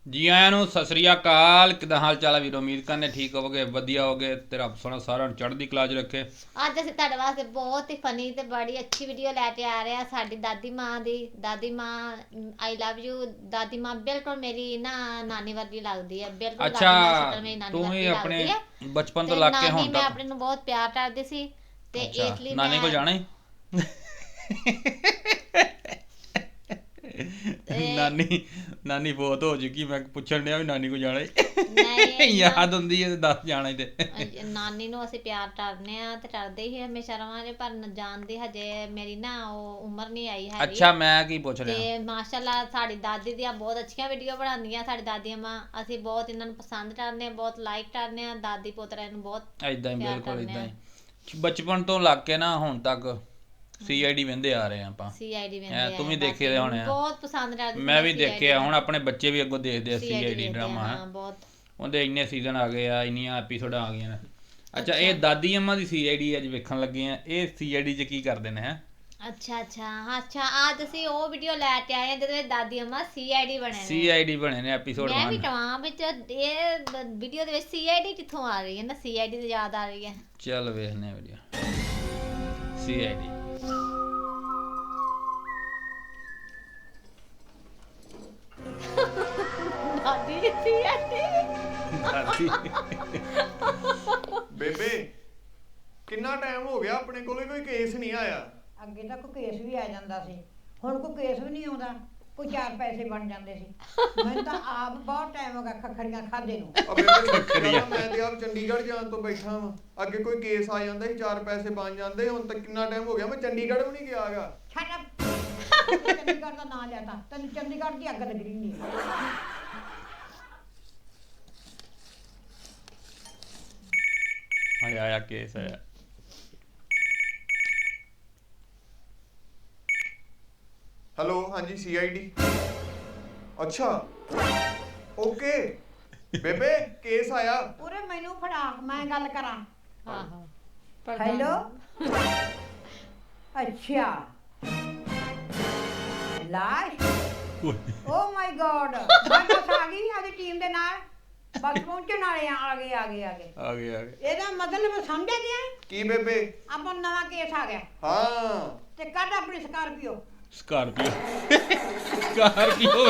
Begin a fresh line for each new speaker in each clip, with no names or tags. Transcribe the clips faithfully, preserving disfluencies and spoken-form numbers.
ਜੀ ਆਇਆਂ ਨੂੰ ਸਤਿ ਸ੍ਰੀ ਅਕਾਲ। ਕਿੱਦਾਂ ਹਾਲ ਚਾਲ ਹੈ ਵੀਰੋ? ਉਮੀਦ ਕਰਨੇ ਠੀਕ ਹੋਵੋਗੇ, ਵਧੀਆ ਹੋਗੇ ਤੇ ਰੱਬ ਸੋਹਣਾ ਸਾਰਿਆਂ ਨੂੰ ਚੜ੍ਹਦੀ ਕਲਾ 'ਚ ਰੱਖੇ।
ਅੱਜ ਅਸੀਂ ਤੁਹਾਡੇ ਵਾਸਤੇ ਬਹੁਤ ਹੀ ਫਨੀ ਤੇ ਬੜੀ ਅੱਛੀ ਵੀਡੀਓ ਲੈ ਕੇ ਆ ਰਹੇ ਹਾਂ। ਸਾਡੀ ਦਾਦੀ ਮਾਂ ਦੀ। ਦਾਦੀ ਮਾਂ ਆਈ ਲਵ ਯੂ। ਦਾਦੀ ਮਾਂ ਬਿਲਕੁਲ ਮੇਰੀ ਨਾ ਨਾਨੀ ਵਰਗੀ ਲੱਗਦੀ ਹੈ। ਬਿਲਕੁਲ ਦਾਦੀ ਮਾਂ
ਅੱਛਾ,
ਸ਼ਕਲ ਮੇਰੀ ਨਾਨੀ
ਤੂੰ ਵੀ
ਵਰਗੀ
ਆਪਣੇ
ਲੱਗਦੀ ਹੈ।
ਬਚਪਨ ਤੋਂ
ਤੇ
ਲੱਗ ਕੇ
ਨਾਨੀ
ਹੁਣ
ਮੈਂ
ਤੱਕ
ਆਪਣੇ ਨੂੰ ਬਹੁਤ ਪਿਆਰ ਕਰਦੀ ਸੀ ਤੇ
ਅੱਛਾ
ਇਸ ਲਈ
ਨਾਨੀ ਕੋਲ
ਮੈਂ
ਜਾਣਾ ਹੀ
ਤੇ
ਨਾਨੀ ਨਾਨੀ ਬਹੁਤ ਹੋ ਚੁੱਕੀ। ਮੈਂ ਪੁੱਛਣ ਡਿਆ ਵੀ ਨਾਨੀ ਕੋਲ ਜਾਣਾ ਹੀ
ਨਹੀਂ ਨਾ
ਯਾਦ ਹੁੰਦੀ ਹੈ ਤੇ ਦੱਸ ਜਾਣਾ ਹੀ ਤੇ
ਅਹ ਨਾਨੀ ਨੂੰ ਅਸੀਂ ਪਿਆਰ ਕਰਦੇ ਆ ਤੇ ਕਰਦੇ ਹੀ ਹਮੇਸ਼ਾ ਰਵਾਂਗੇ, ਪਰ ਨ- ਜਾਣ ਦੀ ਹਜੇ ਮੇਰੀ ਨਾ ਉਹ ਉਮਰ ਨਹੀਂ ਆਈ ਹੈਗੀ।
ਅੱਛਾ ਮੈਂ ਕੀ ਪੁੱਛ ਰਿਹਾ?
ਤੇ ਮਾਸ਼ਾਅੱਲਾ ਸਾਡੀ ਦਾਦੀ ਦੀਆਂ ਬਹੁਤ ਅੱਛੀਆਂ ਵੀਡੀਓ ਬਣਾਉਂਦੀਆਂ ਸਾਡੀ ਦਾਦੀਆਂ ਮਾਂ। ਅਸੀਂ ਬਹੁਤ ਇਹਨਾਂ ਨੂੰ ਪਸੰਦ ਕਰਦੇ ਹਾਂ, ਬਹੁਤ ਲਾਈਕ ਕਰਦੇ ਹਾਂ। ਦਾਦੀ ਪੋਤਰੇ ਨੂੰ ਬਹੁਤ
ਏਦਾਂ ਹੀ
ਪਿਆਰ
ਬਿਲਕੁਲ
ਕਰਦੇ
ਏਦਾਂ
ਹਾਂ।
ਹੀ ਬਚਪਨ ਤੋਂ ਲੱਗ ਕੇ ਨਾ ਹੁਣ ਤੱਕ ਸੀ ਆਈ ਡੀ ਵਹਿੰਦੇ ਆ ਰਹੇ ਆ ਆਪਾਂ।
ਸੀ ਆਈ ਡੀ
ਹੈਂ,
ਵੇਂਦੇ
ਤੂੰ
ਆਏ
ਵੀ ਦੇਖੇ
ਦਾਦੀ
ਦੇ
ਨੂੰ
ਹੋਣੇ ਆ।
ਬਹੁਤ ਪਸੰਦ ਕਰਦੀ ਸੀ
ਮੈਂ
ਮੈਂ
ਵੀ
ਸੀ ਆਈ ਡੀ
ਦੇਖੇ ਆ, ਹੁਣ
ਵੇਖਣਾ।
ਆਪਣੇ ਬੱਚੇ ਵੀ ਅੱਗੋਂ ਦੇਖਦੇ ਆ
ਸੀ
ਸੀ
ਆਈ
ਆਈ
ਡੀ
ਡੀ
ਵੇਖਦੇ ਆ,
ਡਰਾਮਾ। ਹੈ
ਹਾਂ ਬਹੁਤ।
ਉਹਦੇ ਇੰਨੇ ਸੀਜ਼ਨ ਆ ਗਏ ਆ, ਇੰਨੀਆਂ ਐਪੀਸੋਡਾਂ ਆ ਗਈਆਂ ਨੇ। ਅੱਛਾ ਇਹ
ਅੱਛਾ
ਦਾਦੀ ਅੰਮਾ ਦੀ ਸੀ ਆਈ ਡੀ ਅੱਜ ਵੇਖਣ ਲੱਗੇ ਆ। ਇਹ ਸੀ ਆਈ ਡੀ 'ਚ ਕੀ ਕਰਦੇ ਨੇ? ਹੈ
ਅੱਛਾ ਅੱਛਾ ਹਾਂ, ਅੱਛਾ ਅੱਜ ਅਸੀਂ ਉਹ ਵੀਡੀਓ ਲੈ ਕੇ ਆਏ ਹਾਂ ਜਿਹਦੇ ਵਿੱਚ ਦਾਦੀ ਅੰਮਾ ਸੀ ਆਈ ਡੀ ਬਣੇ
ਸੀ
ਨੇ।
ਆਈ ਡੀ ਬਣੇ ਨੇ ਐਪੀਸੋਡ
ਮੈਂ ਵੀ
ਇੱਕ।
ਟਵਾਂ ਵਿੱਚ ਇਹ ਵੀਡੀਓ ਦੇ ਵਿੱਚ ਸੀ ਆਈ ਡੀ ਕਿੱਥੋਂ ਆ ਰਹੀ ਹੈ ਨਾ, ਸੀ ਆਈ ਡੀ ਦੀ ਯਾਦ ਆ ਰਹੀ ਹੈ।
ਚੱਲ ਵੇਖਨੇ ਆ ਵੀਡੀਓ ਸੀ ਆਈ ਡੀ।
ਦਾਦੀ ਦੀ ਸੀ ਆਈ ਡੀ।
ਦਾਦੀ
ਬੇਬੇ ਕਿੰਨਾ ਟਾਈਮ ਹੋ ਗਿਆ ਆਪਣੇ ਕੋਲੇ ਕੋਈ ਕੇਸ ਨਹੀਂ ਆਇਆ।
ਅੱਗੇ ਤਾਂ ਕੋਈ ਕੇਸ ਵੀ ਆ ਜਾਂਦਾ ਸੀ, ਹੁਣ ਕੋਈ ਕੇਸ ਵੀ ਨਹੀਂ ਆਉਂਦਾ। ਕੋਈ ਚਾਰ ਪੈਸੇ ਬਣ ਜਾਂਦੇ ਸੀ। ਮੈਨੂੰ ਤਾਂ ਆਪ ਬਹੁਤ ਟਾਈਮ ਹੋ ਗਿਆ ਖੱਖੜੀਆਂ ਖਾਦੇ ਨੂੰ।
ਆ ਬੇਬੇ ਸੱਚੀ ਗੱਲ ਆ, ਮੈਂ ਤੇ ਆਪ ਚੰਡੀਗੜ੍ਹ ਜਾਣ ਤੋਂ ਬੈਠਾ ਵਾਂ। ਅੱਗੇ ਕੋਈ ਕੇਸ ਆ ਜਾਂਦਾ ਸੀ, ਚਾਰ ਪੈਸੇ ਬਣ ਜਾਂਦੇ। ਹੁਣ ਤਾਂ ਕਿੰਨਾ ਟਾਈਮ ਹੋ ਗਿਆ ਮੈਂ ਚੰਡੀਗੜ੍ਹ ਵੀ ਨਹੀਂ ਗਿਆ ਹੈਗਾ।
ਛੱਡ ਚੰਡੀਗੜ੍ਹ ਦਾ ਨਾਂ ਲੈਤਾ, ਤੈਨੂੰ ਚੰਡੀਗੜ੍ਹ ਦੀ ਅੱਗ ਲੱਗਣੀ ਨਹੀਂ।
ਆਇਆ ਆਇਆ ਕੇਸ ਆਇਆ।
ਹੈਲੋ ਹਾਂਜੀ ਸੀ ਆਈ ਡੀ। ਅੱਛਾ ਓਕੇ ਬੇਬੇ ਕੇਸ ਆਇਆ।
ਉਰੇ ਮੈਨੂੰ ਫੜਾ, ਮੈਂ ਗੱਲ ਕਰਾਂ।
ਆਹੋ
ਹੈਲੋ ਅੱਛਾ ਲਾਸ਼। ਓ ਮਾਈ ਗॉड, ਮੈਂ ਬਸ ਆ ਗਈ ਆਦੀ ਟੀਮ ਦੇ ਨਾਲ। ਬਸ ਪਹੁੰਚਣ ਵਾਲੇ ਆ ਆ ਗਏ ਆ ਗਏ ਆ ਗਏ।
ਆ ਗਏ ਆ ਗਏ।
ਇਹਦਾ ਮਤਲਬ ਸਮਝਿਆ ਗਿਆ?
ਕੀ ਬੇਬੇ?
ਆਪਾਂ ਨੂੰ ਨਵਾਂ ਕੇਸ ਆ ਗਿਆ
ਹਾਂ
ਤੇ ਕੱਢ ਆਪਣੀ ਸਕਾਰਪੀਓ।
ਸਕਾਰਪੀਓ ਸਕਾਰਪੀਓ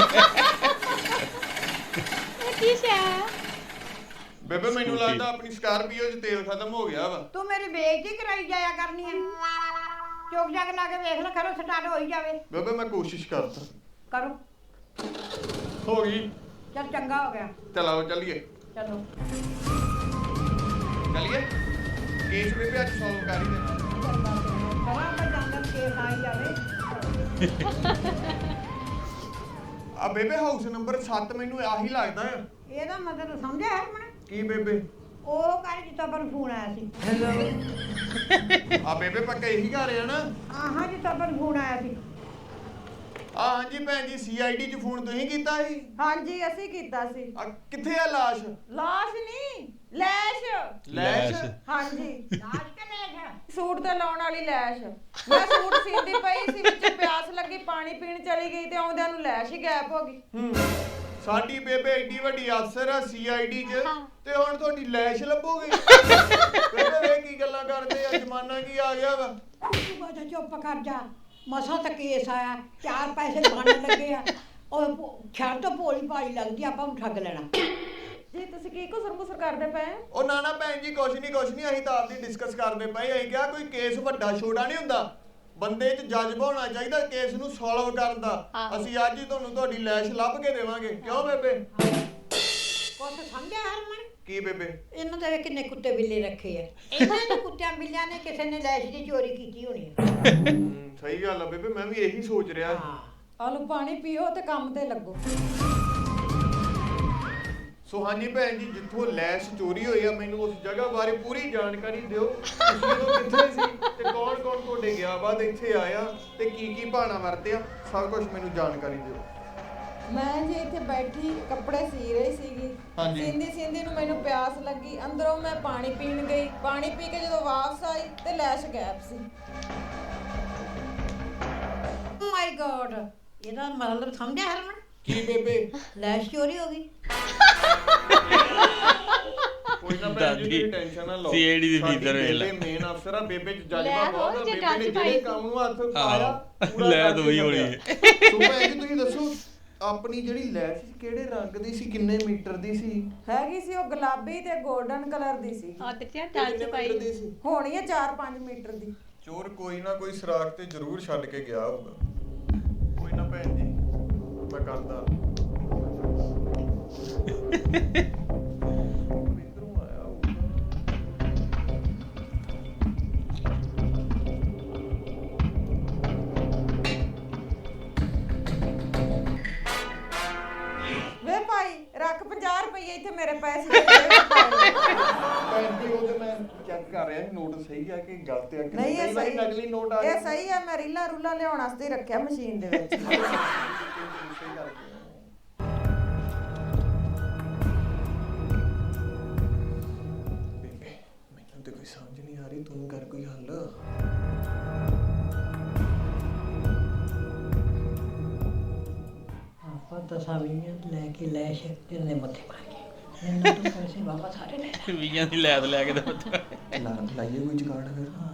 ਇਹ ਕੀ ਸ਼ੈ?
ਬੇਬੇ ਮੈਨੂੰ
ਸਕੂਟੀ।
ਲੱਗਦਾ ਆਪਣੀ ਸਕਾਰਪੀਓ 'ਚ ਤੇਲ ਖਤਮ ਹੋ ਗਿਆ ਵਾ।
ਤੂੰ ਮੇਰੀ ਬੇਇੱਜ਼ਤੀ ਕਰਾਈ ਜਾਇਆ ਕਰਨੀ ਹੈ। ਚੁੱਕ ਜਾ ਕੇ ਲਾ ਕੇ ਵੇਖ ਲੈ, ਕਰੋ ਸਟਾਰਟ ਹੋਈ ਜਾਵੇ।
ਬੇਬੇ ਮੈਂ ਕੋਸ਼ਿਸ਼ ਕਰਦਾ।
ਕਰੋ।
ਹੋ ਗਈ।
ਚਲ ਚੰਗਾ ਹੋ ਗਿਆ।
ਚਲੋ ਚੱਲੀਏ
ਚਲੋ
ਚੱਲੀਏ। ਕੇਸ ਬੇਬੇ ਅੱਜ ਸੋਲਵ ਕਰ ਹੀ ਦੇਣਾ।
ਕਰਾਂ ਆਪਾਂ ਜਾਂਦਾ ਕੇਸ ਆ ਹੀ ਜਾਵੇ।
ਆ ਬੇਬੇ ਹਾਊਸ ਨੰਬਰ ਸੱਤ ਮੈਨੂੰ ਆਹੀ ਲੱਗਦਾ ਆ।
ਇਹਦਾ ਮਤਲਬ ਸਮਝਿਆ ਹਰਮਨ?
ਕੀ ਬੇਬੇ?
ਉਹ ਕਰ ਜਿੱਤਾ ਪਰ ਫੋਨ ਆਇਆ ਸੀ।
ਆ ਬੇਬੇ ਪੱਕਾ ਇਹੀ ਘਰ ਆ ਨਾ?
ਆਹਾਂ ਜਿੱਤਾ ਪਰ ਫੋਨ ਆਇਆ ਸੀ।
ਆ ਹਾਂਜੀ ਭੈਣ ਜੀ ਸੀ ਆਈ ਡੀ 'ਚ ਫੋਨ ਤੁਸੀਂ ਕੀਤਾ ਸੀ?
ਹਾਂਜੀ ਅਸੀਂ ਕੀਤਾ ਸੀ।
ਆ ਕਿੱਥੇ ਆ ਲਾਸ਼?
ਲਾਸ਼ ਨਹੀਂ, ਲੈਸ਼।
ਲੈਸ਼?
ਹਾਂਜੀ,
ਲਾਸ਼ ਕੇ ਲੈਸ਼?
ਸੂਟ ਤੇ ਲਾਉਣ ਵਾਲੀ ਲੈਸ਼। ਮੈਂ ਸੂਟ ਸੀਂਦੀ ਪਈ ਸੀ, ਵਿੱਚ ਪਿਆਸ ਲੱਗੀ, ਪਾਣੀ ਪੀਣ ਚਲੀ ਗਈ ਤੇ ਆਉਂਦਿਆਂ ਨੂੰ ਲੈਸ਼ ਹੀ ਗਾਇਬ ਹੋ ਗਈ।
ਹੂੰ ਸਾਡੀ ਬੇਬੇ ਏਡੀ ਵੱਡੀ ਅਫਸਰ ਆ ਸੀ ਆਈ ਡੀ 'ਚ ਤੇ ਹੁਣ ਤੁਹਾਡੀ ਲੈਸ਼ ਲੱਭੋਗੇ? ਬੇਬੇ ਵੇ ਕੀ ਗੱਲਾਂ ਕਰਦੇ ਆ, ਜ਼ਮਾਨਾ ਕੀ ਆ ਗਿਆ ਵਾ।
ਤੂੰ ਬਾਅਦ ਚੁੱਪ ਕਰ ਜਾ। ਮਸਾਂ ਤਾਂ ਕੇਸ ਆਇਆ, ਚਾਰ ਪੈਸੇ ਬਣਨ ਲੱਗੇ ਆ। ਉਹ ਛੱਡ ਤੋਂ ਭੋਲੀ ਭਾਲੀ ਲੱਗਦੀ, ਆਪਾਂ ਨੂੰ ਠੱਗ ਲੈਣਾ।
ਜੀ ਤੁਸੀਂ ਕੀ ਕੁਸਰ ਮੁਸਰ ਕਰਦੇ ਪਏ?
ਉਹ ਨਾ ਨਾ ਭੈਣ ਜੀ ਕੁਛ ਨਹੀਂ ਕੁਛ ਨਹੀਂ, ਅਸੀਂ ਤਾਂ ਆਪਦੀ ਡਿਸਕਸ ਕਰਦੇ ਪਏ। ਅਸੀਂ ਕਿਹਾ ਕੋਈ ਕੇਸ ਵੱਡਾ ਛੋਟਾ ਨਹੀਂ ਹੁੰਦਾ, ਬੰਦੇ 'ਚ ਜਜ਼ਬਾ ਹੋਣਾ ਚਾਹੀਦਾ ਕੇਸ ਨੂੰ ਸੋਲਵ ਕਰਨ ਦਾ। ਅਸੀਂ ਅੱਜ ਹੀ ਤੁਹਾਨੂੰ ਤੁਹਾਡੀ ਲੈਸ਼ ਲੱਭ ਕੇ ਦੇਵਾਂਗੇ। ਕਿਉਂ ਬੇਬੇ?
ਕੁਛ ਸਮਝਿਆ ਹਰਮਨ?
ਕੀ ਬੇਬੇ?
ਇਹਨਾਂ ਦੇ ਕਿੰਨੇ ਕੁੱਤੇ ਬਿੱਲੇ ਰੱਖੇ ਆ। ਇਹਨਾਂ ਦੇ ਕੁੱਤਿਆਂ ਬਿੱਲਿਆਂ ਨੇ ਕਿਸੇ ਨੇ ਲੈਸ਼ ਦੀ ਚੋਰੀ ਕੀਤੀ ਹੋਣੀ ਆ।
ਹੂੰ, ਸਹੀ ਗੱਲ ਆ ਬੇਬੇ, ਮੈਂ ਵੀ ਇਹੀ ਸੋਚ ਰਿਹਾ।
ਹਾਂ
ਆਲੂ ਪਾਣੀ ਪੀਓ ਤੇ ਕੰਮ ਤੇ ਲੱਗੋ।
ਸੋ ਹਾਂਜੀ ਭੈਣ ਜੀ, ਜਿੱਥੋਂ ਲੈਸ਼ ਚੋਰੀ ਹੋਈ ਆ ਮੈਨੂੰ ਉਸ ਜਗ੍ਹਾ ਬਾਰੇ ਪੂਰੀ ਜਾਣਕਾਰੀ ਦਿਓ। ਤੁਸੀਂ ਉਦੋਂ ਕਿੱਥੇ ਸੀ ਤੇ ਕੌਣ ਕੌਣ ਤੁਹਾਡੇ ਗਿਆ ਬਾਅਦ ਇੱਥੇ ਆਇਆ ਤੇ ਕੀ ਕੀ ਬਹਾਨਾ ਵਰਤਿਆ, ਸਭ ਕੁਝ ਮੈਨੂੰ ਜਾਣਕਾਰੀ ਦਿਓ।
ਮੈਂ ਜੀ ਇੱਥੇ ਬੈਠੀ ਕੱਪੜੇ ਸੀ ਰਹੀ ਸੀਗੀ।
ਹਾਂਜੀ।
ਸੀਂਦੀ ਸੀਂਦੀ ਨੂੰ ਮੈਨੂੰ ਪਿਆਸ ਲੱਗੀ, ਅੰਦਰੋਂ ਮੈਂ ਪਾਣੀ ਪੀਣ ਗਈ। ਪਾਣੀ ਪੀ ਕੇ ਜਦੋਂ ਵਾਪਸ ਆਈ ਤੇ ਲੈਸ਼ ਗਾਇਬ ਸੀ।
ਓ ਮਾਈ ਗॉड, ਇਹਦਾ ਮਤਲਬ ਸਮਝਿਆ ਹਰਮਨ?
ਕੀ ਬੇਬੇ
ਲੈਸ਼ ਚੋਰੀ ਹੋ ਗਈ।
ਕੋਈ ਨਾ ਭੈਣ ਜੀ ਤੁਸੀਂ ਟੈਨਸ਼ਨ ਨਾ ਲਓ
ਸੀ ਆਈ ਡੀ ਦੀ
ਸਾਡੀ
ਫੀਦਰ ਵੇਖ ਲੈ।
ਬੇਬੇ ਮੇਨ ਅਫਸਰ ਆ, ਬੇਬੇ ਚ
ਲੈ
ਜਜ਼ਬਾ
ਹੋਰ
ਬਹੁਤ ਆ,
ਜੇ
ਬੇਬੇ
ਡੱਜ
ਨੇ
ਪਾਈ
ਜਿਹੜੇ
ਸੀ।
ਕੰਮ ਨੂੰ ਹੱਥ ਪਾਇਆ
ਆਹੋ।
ਪੂਰਾ
ਲੈ
ਕਰਕੇ
ਤਾਂ ਉਹੀ ਹੋਣੀ
ਛੱਡਿਆ। ਸੋ ਭੈਣ ਜੀ ਤੁਸੀਂ ਦੱਸੋ ਆਪਣੀ ਜਿਹੜੀ ਲੈਸ਼ ਸੀ ਕਿਹੜੇ ਰੰਗ ਦੀ ਸੀ, ਕਿੰਨੇ ਮੀਟਰ ਦੀ ਸੀ?
ਹੈਗੀ ਸੀ ਉਹ ਗੁਲਾਬੀ ਤੇ 골ਡਨ ਕਲਰ ਦੀ ਸੀ।
ਆ ਦੇਖਿਆ
ਤੇ ਕਿੰਨੇ ਮੀਟਰ ਦੀ ਸੀ?
ਹੋਣੀ ਹੈ ਚਾਰ ਪੰਜ ਮੀਟਰ ਦੀ।
ਚੋਰ ਕੋਈ ਨਾ ਕੋਈ ਸੁਰਾਖ ਤੇ ਜ਼ਰੂਰ ਛੱਡ ਕੇ ਗਿਆ ਹੋਊਗਾ। ਕੋਈ ਨਾ ਭੈਣ ਜੀ ਮੈਂ ਕਰਦਾ। ਇੱਧਰੋਂ ਆਇਆ ਹੋਊਗਾ।
ਵੇ ਭਾਈ ਰੱਖ ਪੰਜਾਹ ਰੁਪਏ ਇੱਥੇ ਮੇਰੇ ਪੈਸੇ ਦੇ ਦੇ ਭਾਈ।
ਭੈਣ ਜੀ ਉਹ ਤੇ ਮੈਂ ਚੈੱਕ ਕਰ ਰਿਹਾ ਸੀ ਨੋਟ ਸਹੀ ਆ ਕਿ ਗਲਤ ਆ ਕਿ
ਨਹੀਂ ਇਹ
ਕਈ ਵਾਰੀ
ਸਹੀ
ਨਕਲੀ ਨੋਟ ਆ
ਇਹ ਸਹੀ ਹੈ। ਮੈਂ ਰੀਲਾ ਰੂਲਾ ਲਿਆਉਣ ਵਾਸਤੇ ਹੀ ਰੱਖਿਆ ਮਸ਼ੀਨ ਦੇ ਵਿੱਚ।
ਸਹੀ ਕਰਕੇ ਬੇਬੇ ਮੈਨੂੰ ਤੇ ਕੋਈ ਸਮਝ ਨਹੀਂ ਆ ਰਹੀ, ਤੂੰ ਕਰ ਕੋਈ ਹੱਲ।
ਆਪਾਂ ਦਸਾਂ ਵੀਹਾਂ ਲੈ ਕੇ ਲੈਸ਼ ਤੇਰੇ ਮੱਥੇ ਮਾਰ ਕੇ ਮੈਨੂੰ ਤੂੰ ਪੈਸੇ ਵਾਪਸ ਸਾਰੇ ਲੈ ਲੈ।
ਵੀਆਂ ਦੀ ਲੈਦ ਲੈ ਕੇ ਤਾਂ
ਲਾ ਲਾਈਏ ਕੋਈ ਜੁਗਾੜ ਫਿਰ।
ਹਾਂ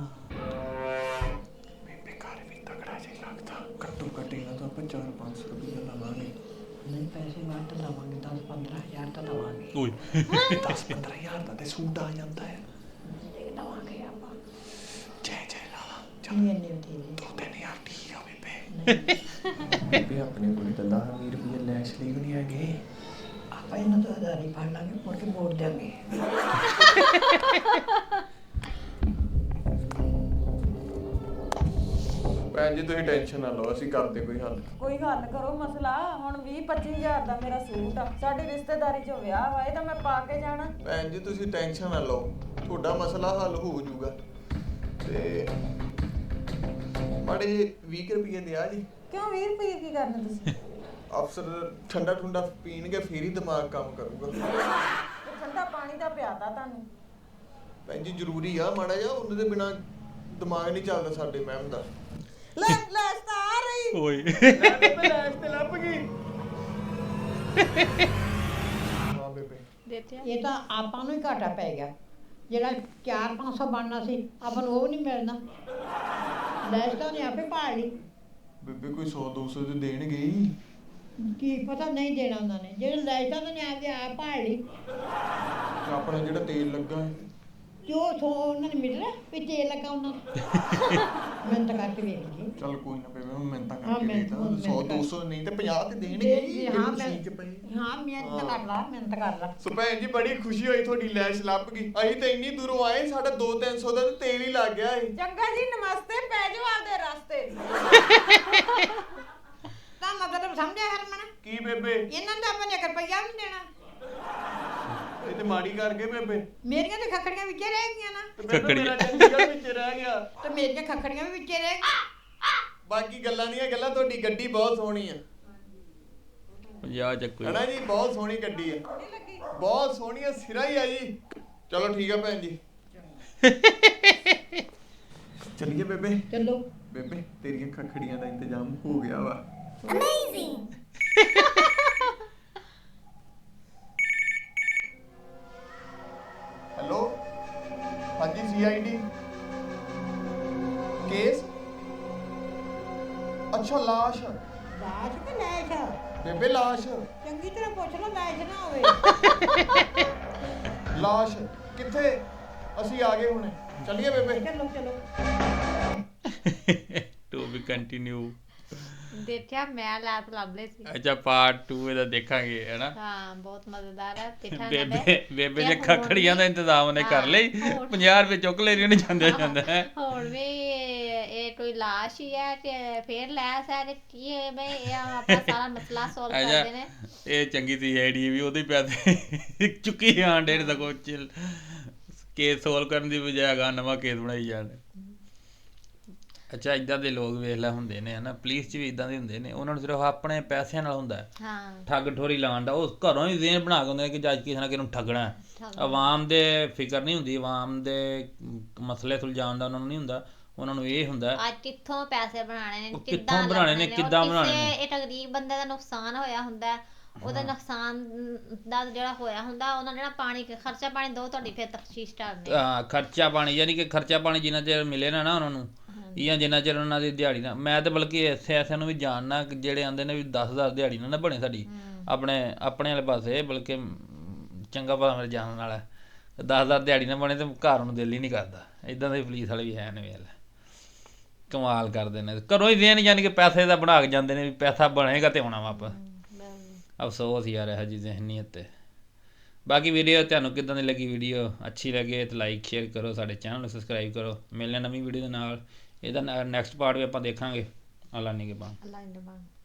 ਬੇਬੇ ਘਰ ਵੀ ਤਗੜਾ ਜਿਹਾ ਲੱਗਦਾ, ਘੱਟੋ ਘੱਟ ਇਹਨਾਂ ਤੋਂ ਆਪਾਂ ਚਾਰ ਪੰਜ ਸੌ ਰੁਪਏ ਲਵਾਂਗੇ।
ਨਹੀਂ ਪੈਸੇ ਵੱਧ ਲਵਾਂਗੇ, ਦਸ ਪੰਦਰਾਂ ਹਜ਼ਾਰ ਤਾਂ ਲਵਾਂਗੇ।
ਓਏ
ਦਸ ਪੰਦਰਾਂ ਹਜ਼ਾਰ ਦਾ ਤੇ ਸੂਟ ਆ ਜਾਂਦਾ ਹੈ।
ਲਵਾਂਗੇ ਆਪਾਂ।
ਜੈ ਜੈ ਲਾ
ਨਹੀਂ ਇੰਨੇ ਦੇ
ਦੋ ਤਿੰਨ ਹਜ਼ਾਰ ਠੀਕ ਆ ਬੇਬੇ। ਬੇਬੇ ਆਪਣੇ ਕੋਲ ਤਾਂ ਦਸ ਵੀਹ ਰੁਪਏ ਲੈਸ਼ ਲਈ ਵੀ ਨਹੀਂ ਹੈਗੇ।
ਆਪਾਂ ਇਹਨਾਂ ਤੋਂ ਹਜ਼ਾਰ ਹੀ ਫੜ ਲਾਂਗੇ, ਮੁੜ ਕੇ ਮੋੜ ਦਿਆਂਗੇ।
ਭੈਣ ਜੀ ਤੁਸੀਂ ਟੈਨਸ਼ਨ ਨਾ ਲਓ, ਅਸੀਂ ਕਰਦੇ ਕੋਈ ਹੱਲ।
ਕੋਈ ਹੱਲ ਕਰੋ ਮਸਲਾ। ਹੁਣ ਵੀਹ ਪੱਚੀ ਹਜ਼ਾਰ ਦਾ ਮੇਰਾ ਸੂਟ ਆ, ਸਾਡੀ ਰਿਸ਼ਤੇਦਾਰੀ 'ਚ ਵਿਆਹ ਵਾ, ਇਹ ਤਾਂ ਮੈਂ ਪਾ ਕੇ ਜਾਣਾ।
ਭੈਣ ਜੀ ਤੁਸੀਂ ਟੈਨਸ਼ਨ ਨਾ ਲਓ, ਤੁਹਾਡਾ ਮਸਲਾ ਹੱਲ ਹੋ ਜਾਊਗਾ। ਤੇ ਮਾੜੇ ਵੀਹ ਰੁਪਏ ਦਿਆ ਜੀ।
ਕਿਉਂ ਵੀਹ ਰੁਪਏ ਕੀ ਕਰਨੇ ਤੁਸੀਂ?
ਅਫਸਰ ਠੰਡਾ ਠੰਡਾ ਪੀਣਗੇ ਫੇਰ ਹੀ ਦਿਮਾਗ ਕੰਮ ਕਰੂਗਾ।
ਤੇ ਠੰਡਾ ਪਾਣੀ ਦਾ ਪਿਆਦਾ ਤੁਹਾਨੂੰ।
ਭੈਣ ਜੀ ਜ਼ਰੂਰੀ ਆ ਮਾੜਾ ਜਿਹਾ, ਉਹਨਾਂ ਦੇ ਬਿਨਾ ਦਿਮਾਗ ਨਹੀਂ ਚੱਲਦਾ ਸਾਡੇ ਮੈਮ ਦਾ।
ਲੈ ਲੈ ਤਾਂ ਆ ਰਹੀ।
ਓਏ
ਲੈ ਬੇਬੇ ਲੈਸ਼ ਤੇ ਲੱਭ ਗਈ। ਹਾਂ ਬੇਬੇ
ਦੇਖਿਆ
ਇਹ ਤਾਂ ਆਪਾਂ ਨੂੰ ਹੀ ਘਾਟਾ ਪੈ ਗਿਆ। ਜਿਹੜਾ ਚਾਰ ਪੰਜ ਸੌ ਬਣਨਾ ਸੀ ਆਪਾਂ ਨੂੰ ਉਹ ਨਹੀਂ ਮਿਲਣਾ। ਲੈਸ਼ ਤਾਂ ਉਹਨੇ ਆਪੇ ਭਾਲ ਲਈ।
ਬੇਬੇ ਕੋਈ ਸੌ ਦੋ ਸੌ ਤੇ ਦੇਣਗੇ ਹੀ।
ਕੀ ਪਤਾ ਨਹੀਂ ਦੇਣਾ ਉਹਨਾਂ ਨੇ। ਜਿਹੜੇ ਲੈਸ਼ ਤਾਂ ਉਹਨੇ ਆਪੇ ਆਪ ਭਾਲ ਲਈ।
ਤੇ ਆਪਣਾ ਜਿਹੜਾ ਤੇਲ ਲੱਗਾ ਹੈ
ਜੋ ਸੋ ਉਹਨਾਂ ਨੇ ਮਿਲਣਾ ਵੀ ਤੇਲ ਲੱਗਾ ਉਹਨਾਂ ਨੂੰ। ਮਿਹਨਤ ਕਰਕੇ ਵੇਖ ਲਈ।
ਚੱਲ ਕੋਈ ਨਾ ਬੇਬੇ ਮੈਂ ਤਾਂ
ਹਾਂ,
ਕਰਕੇ
ਮਿਹਨਤ-
ਦੇਤਾ
ਮਿਹਨਤ
ਸੌ
ਕਰ।
ਦੋ ਸੌ ਨਹੀਂ ਤੇ ਪੰਜਾਹ ਤੇ ਦੇਣਗੇ ਹੀ,
ਦੇ-
ਜਿਹੜੀ
ਹਾਂ,
ਮਸ਼ੀਨ 'ਚ
ਮੈਂ-
ਪਈ।
ਹਾਂ ਮਿਹਨਤ ਕਰ ਲਾ, ਮਿਹਨਤ ਕਰ ਲਾ।
ਸੋ ਭੈਣ ਜੀ ਬੜੀ ਖੁਸ਼ੀ ਹੋਈ ਤੁਹਾਡੀ ਲੈਸ਼ ਲੱਭ ਗਈ। ਅਸੀਂ ਤਾਂ ਇੰਨੀ ਦੂਰੋਂ ਆਏ, ਸਾਡਾ ਦੋ ਤਿੰਨ ਸੌ ਦਾ ਤਾਂ ਤੇਲ ਹੀ ਲੱਗ ਗਿਆ ਸੀ।
ਚੰਗਾ ਜੀ ਨਮਸਤੇ, ਪੈ ਜਾਓ ਆਪਦੇ ਰਸਤੇ।
ਤਾਂ ਮਤਲਬ ਸਮਝਿਆ ਹਰਮਨ?
ਕੀ ਬੇਬੇ
ਇਹਨਾਂ ਦਾ ਆਪਾਂ ਨੇ ਇੱਕ ਰੁਪਈਆ ਵੀ ਨਹੀਂ ਦੇਣਾ।
ਇਹ ਤੇ ਮਾੜੀ ਕਰ ਗਏ ਬੇਬੇ।
ਮੇਰੀਆਂ ਤੇ ਖੱਖੜੀਆਂ ਵਿੱਚੇ ਰਹਿ ਗਈਆਂ ਨਾ।
ਤੇ ਬੇਬੇ
ਖੱਖੜੀ।
ਮੇਰਾ ਚੰਡੀਗੜ੍ਹ ਵਿੱਚ ਰਹਿ ਗਿਆ।
ਤੇ ਮੇਰੀਆਂ ਖੱਖੜੀਆਂ ਵੀ ਵਿੱਚੇ ਰਹਿ ਗਈਆਂ।
ਬਾਕੀ ਗੱਲਾਂ ਦੀਆਂ ਗੱਲਾਂ, ਤੁਹਾਡੀ ਗੱਡੀ ਬਹੁਤ ਸੋਹਣੀ ਆ।
ਪੰਜਾਹ ਚੱਕੂ
ਹਨਾ ਜੀ, ਬਹੁਤ ਸੋਹਣੀ ਗੱਡੀ ਆ, ਬਹੁਤ ਸੋਹਣੀ ਆ, ਸਿਰਾ ਹੀ ਆ ਜੀ। ਚਲੋ ਠੀਕ ਆ ਭੈਣ ਜੀ, ਚੱਲੀਏ ਬੇਬੇ।
ਚਲੋ
ਬੇਬੇ ਤੇਰੀਆਂ ਖੱਖੜੀਆਂ ਦਾ ਇੰਤਜ਼ਾਮ ਹੋ ਗਿਆ ਵਾ। ਹੈਲੋ ਹਾਂਜੀ ਸੀ ਆਈ ਡੀ ਕੇਸ। ਅੱਛਾ ਲਾਸ਼।
ਲਾਸ਼ ਤੇ ਲੈਸ਼
ਬੇਬੇ ਲਾਸ਼
ਚੰਗੀ ਤਰ੍ਹਾਂ ਪੁੱਛ ਲਓ, ਲੈਸ਼ ਨਾ ਹੋਵੇ।
ਲਾਸ਼ ਕਿੱਥੇ? ਅਸੀਂ ਆ ਗਏ ਹੁਣੇ, ਚੱਲੀਏ ਬੇਬੇ।
ਚਲੋ ਚਲੋ
ਟੂ ਬੀ ਕੰਟੀਨਿਊ।
ਦੇਖਿਆ ਮੈਂ ਲਾਤ ਲੱਭ ਲਈ ਸੀ।
ਅੱਛਾ ਪਾਰਟ ਟੂ ਇਹਦਾ ਦੇਖਾਂਗੇ ਹੈਨਾ।
ਹਾਂ ਬਹੁਤ ਮਜ਼ੇਦਾਰ ਹੈ। ਦੇਖਾਂਗੇ
ਬੇਬੇ ਬੇਬੇ ਜੇ ਖਖੜੀਆਂ ਦਾ ਇੰਤਜ਼ਾਮ ਉਹਨੇ ਕਰ ਲਈ, ਪੰਜਾਹ ਰੁਪਏ ਚੁੱਕ ਲੈ ਰਹੀ ਉਹਨੇ ਜਾਂਦੇ ਜਾਂਦਾ ਹੈ।
ਹੁਣ ਵੀ ਇਹ ਕੋਈ ਲਾਸ਼ ਹੀ ਹੈ ਤੇ ਫੇਰ ਲੈਸ ਹੈ ਤੇ ਕੀ ਹੈ ਬਈ ਇਹ ਆਪਾਂ ਸਾਰਾ ਮਸਲਾ ਸੋਲਵ
ਅੱਛਾ
ਕਰਦੇ ਨੇ।
ਇਹ ਚੰਗੀ ਸੀ ਆਈਡੀ ਵੀ ਉਹਦੇ ਪੈਸੇ ਚੁੱਕੀ ਜਾਣ ਡੇ ਦਾ ਕੁਛ ਕੇਸ ਸੋਲਵ ਕਰਨ ਦੀ ਬਜਾਏ ਗਾ ਨਵਾਂ ਕੇਸ ਬਣਾਈ ਜਾਣ। ਅੱਛਾ ਇਦਾਂ ਦੇ ਲੋਕ ਵੇਖ ਲੈ ਹੁੰਦੇ ਨੇ ਹਨਾ, ਪੁਲਿਸ 'ਚ ਵੀ ਇਦਾਂ ਦੇ ਹੁੰਦੇ ਨੇ। ਉਹਨਾਂ ਨੂੰ ਸਿਰਫ ਆਪਣੇ ਪੈਸਿਆਂ ਨਾਲ ਹੁੰਦਾ ਹੈ
ਹਾਂ
ਠੱਗ ਠੋਰੀ ਲਾਉਣ ਦਾ। ਉਹ ਘਰੋਂ ਹੀ ਜ਼ੇਨ ਬਣਾ ਕੇ ਹੁੰਦੇ ਨੇ ਕਿ ਜੱਜ ਕਿਸੇ ਨਾ ਕਿਸੇ ਨੂੰ ਠੱਗਣਾ ਹੈ। ਆਵਾਮ ਦੇ ਫਿਕਰ ਨਹੀਂ ਹੁੰਦੀ, ਆਵਾਮ ਦੇ ਮਸਲੇ ਸੁਲਝਾਉਣ ਦਾ ਉਹਨਾਂ ਨੂੰ ਨਹੀਂ ਹੁੰਦਾ। ਉਹਨਾਂ ਨੂੰ ਇਹ ਹੁੰਦਾ
ਅੱਜ ਕਿੱਥੋਂ ਪੈਸੇ ਬਣਾਣੇ ਨੇ
ਉਹ
ਕਿੱਦਾਂ
ਕਿੱਥੋਂ ਬਣਾਉਣੇ ਨੇ,
ਲੱਭਣੇ
ਕਿੱਦਾਂ
ਉਹ
ਬਣਾਉਣੇ
ਕਿਸੇ
ਨੇ।
ਇੱਕ ਗਰੀਬ ਬੰਦੇ ਦਾ ਨੁਕਸਾਨ ਹੋਇਆ ਹੁੰਦਾ ਹੈ, ਉਹਦਾ ਨੁਕਸਾਨ ਦਾ ਜਿਹੜਾ ਹੋਇਆ ਹੁੰਦਾ ਉਹਨਾਂ ਜਿਹੜਾ ਪਾਣੀ ਖਰਚਾ ਪਾਣੀ ਦੋ ਤੁਹਾਡੀ ਫਿਰ ਤਫਤੀਸ਼ ਕਰਨੀ
ਹਾਂ ਖਰਚਾ ਪਾਣੀ ਯਾਨੀ ਕਿ ਖਰਚਾ ਪਾਣੀ ਜਿੰਨਾ ਚਿਰ ਮਿਲੇ ਨਾ ਨਾ ਉਹਨਾਂ ਨੂੰ ਜਾਂ ਜਿੰਨਾ ਚਿਰ ਉਹਨਾਂ ਦੀ ਦਿਹਾੜੀ ਨਾ, ਮੈਂ ਤਾਂ ਬਲਕਿ ਐਸੇ ਐਸਿਆਂ ਨੂੰ ਵੀ ਜਾਣਨਾ ਕਿ ਜਿਹੜੇ ਆਂਦੇ ਨੇ ਵੀ ਦਸ ਹਜ਼ਾਰ ਦਿਹਾੜੀ ਨਾ ਨਾ ਬਣੇ ਸਾਡੀ ਆਪਣੇ ਆਪਣੇ ਵਾਲੇ ਪਾਸੇ, ਬਲਕਿ ਚੰਗਾ ਭਲਾ ਮੇਰੇ ਜਾਣਨ ਵਾਲਾ ਦਸ ਹਜ਼ਾਰ ਦਿਹਾੜੀ ਨਾ ਬਣੇ ਤੇ ਘਰ ਨੂੰ ਦਿਲ ਹੀ ਨਹੀਂ ਕਰਦਾ। ਇੱਦਾਂ ਦੇ ਪੁਲਿਸ ਵਾਲੇ ਵੀ ਹੈ ਨੇ, ਵੇਲ ਕਮਾਲ ਕਰਦੇ ਨੇ, ਘਰੋਂ ਹੀ ਦੇਣ ਯਾਨੀ ਕਿ ਪੈਸੇ ਦਾ ਬਣਾ ਕੇ ਜਾਂਦੇ ਨੇ ਵੀ ਪੈਸਾ ਬਣੇਗਾ ਤੇ ਆਉਣਾ ਵਾਪਸ। ਅਫਸੋਸ ਯਾਰ ਇਹੋ ਜਿਹੀ ਜ਼ਹਿਨੀਅਤ 'ਤੇ। ਬਾਕੀ ਵੀਡੀਓ ਤੁਹਾਨੂੰ ਕਿੱਦਾਂ ਦੀ ਲੱਗੀ? ਵੀਡੀਓ ਅੱਛੀ ਲੱਗੇ ਤਾਂ ਲਾਈਕ ਸ਼ੇਅਰ ਕਰੋ, ਸਾਡੇ ਚੈਨਲ ਨੂੰ ਸਬਸਕ੍ਰਾਈਬ ਕਰੋ। ਮਿਲਣੇ ਨਵੀਂ ਵੀਡੀਓ ਦੇ ਨਾਲ। ਇਹਦਾ ਨੈਕਸਟ ਪਾਰਟ ਵੀ ਆਪਾਂ ਦੇਖਾਂਗੇ। ਅੱਲਾ ਨਿਗਹਿਬਾਨ।
ਅੱਲਾ ਨਿਗਹਿਬਾਨ।